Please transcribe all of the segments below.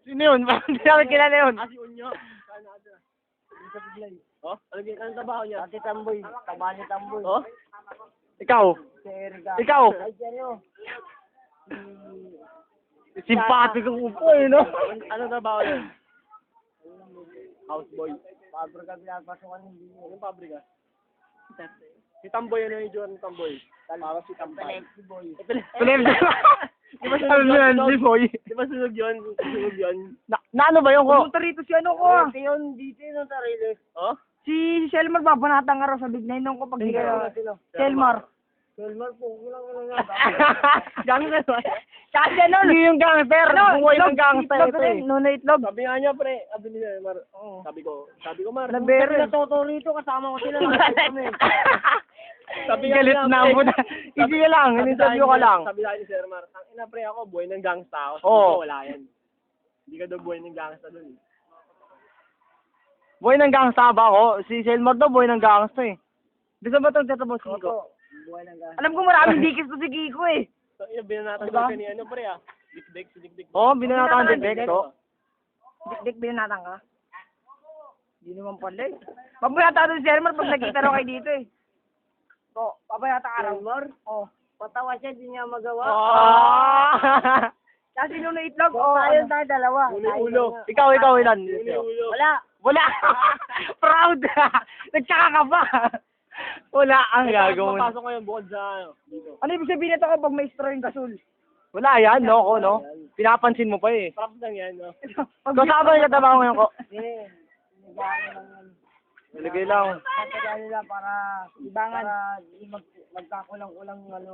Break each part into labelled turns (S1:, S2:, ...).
S1: Sino yun? Hindi namin kilala yun.
S2: Si Unyo. Saan natin? Sa Biglay. Oh? Anong trabaho niya?
S3: Ate Tamboy. Tabali Tamboy.
S2: Oh?
S1: Ikaw.
S3: Si Erica.
S1: Ikaw.
S3: Ay, ano?
S1: Simpatiko ko po eh, no?
S2: Anong trabaho niya? Houseboy.
S3: Pabrika pinapasukan hindi.
S2: Anong pabrika? Si Tamboy, ano yung itsura ng Tamboy? Para si Tamboy.
S3: Pelexi boy.
S1: Philip,
S2: Di ba
S1: ano yan, si Boy?
S2: Di ba sunog yun? Sunog yun?
S1: Na ano ba yung ko?
S4: Pumunta rito si ano ko.
S3: Dito yun, dito yun ang sarili.
S2: Oh?
S4: Si Selmar babanatan ka raw sa Big Nine nung ko pag di kayo. Selmar.
S3: Selmar po, kulang nga.
S4: Gangster ba? Kasi ano?
S1: Hindi yung gangster. Buhay ng gangster ito eh.
S4: Nuno itlog.
S2: Sabi nga niya, pre. Sabi niya, Mar. Sabi ko, Mar.
S4: Labere.
S3: Natuto rito, kasama ko sila.
S2: Sabi nga
S1: Galit
S2: niya,
S1: na
S2: pre.
S1: mo na. Easy ka lang. In-interview ka lang.
S2: Sabi sa akin ni Sir Mar, ang ina pre ako, buhay ng gangsta ako.
S1: Oo.
S2: Sabi ko, wala yan. Hindi ka daw buhay ng gangsta dun.
S1: Buhay ng gangsta ba ako? Si Selmar daw buhay ng gangsta eh. Bisa ba itong tetabos ko?
S3: Buhay ng gas.
S4: Alam ko maraming dikis to si Kiko eh.
S2: So, yun, binanatan
S4: Diba?
S2: ko ni ano pre ah. Dikdik, si Dikdik.
S1: Oo, binanatan din Bekto.
S4: Dik binanatan ka. Hindi naman pala eh. Pabayata doon si Selmar pag nakita raw kayo dito eh. Oo, pabayata ka raw.
S3: Selmar?
S4: Oo.
S3: Patawa siya, di niya magawa.
S1: Ah!
S4: Kasi Nuno itlog.
S3: Oo, tayo tayo dalawa.
S2: Ulo.
S1: ikaw, ilan?
S2: Ulo.
S3: Wala.
S1: Wala! Proud! Nagtsaka ka ba? Wala ang gagawin.
S2: Papasok ngayon bukod sa ano, dito.
S4: Ano ibig sabihin nito kapag may straw yung gasol?
S1: Wala yan, no, ko, no? Pinapansin mo pa eh.
S2: Props lang yan, no?
S1: Kasama yung katabaho ngayon ko.
S3: Hindi. Nagano lang yan.
S1: Nalagay lang.
S3: Nagano nila para
S4: Ibangan.
S3: para di magkakulang-kulang ano.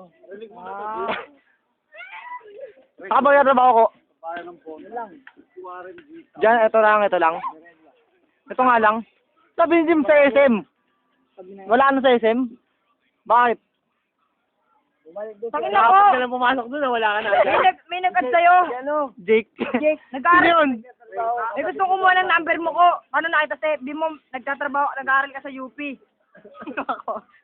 S1: Kasama yung katabaho ko.
S3: Ano lang.
S1: Diyan, ito lang. Ito nga lang. Sabi ni Jim sa SM. Wala na sa SM? Bakit?
S3: Bumalik doon.
S4: Tangin
S3: siya.
S4: ako!
S2: Dapat ka lang pumasok doon, wala ka na.
S4: May nag-add sa'yo.
S3: Ano?
S1: Jake.
S4: Jake,
S1: Sino
S4: nag-aaral.
S1: yun?
S4: May gusto ko muna ng number mo ko. Ano nakita sa FB mo? Nagtatrabaho, nag-aaral ka sa UP.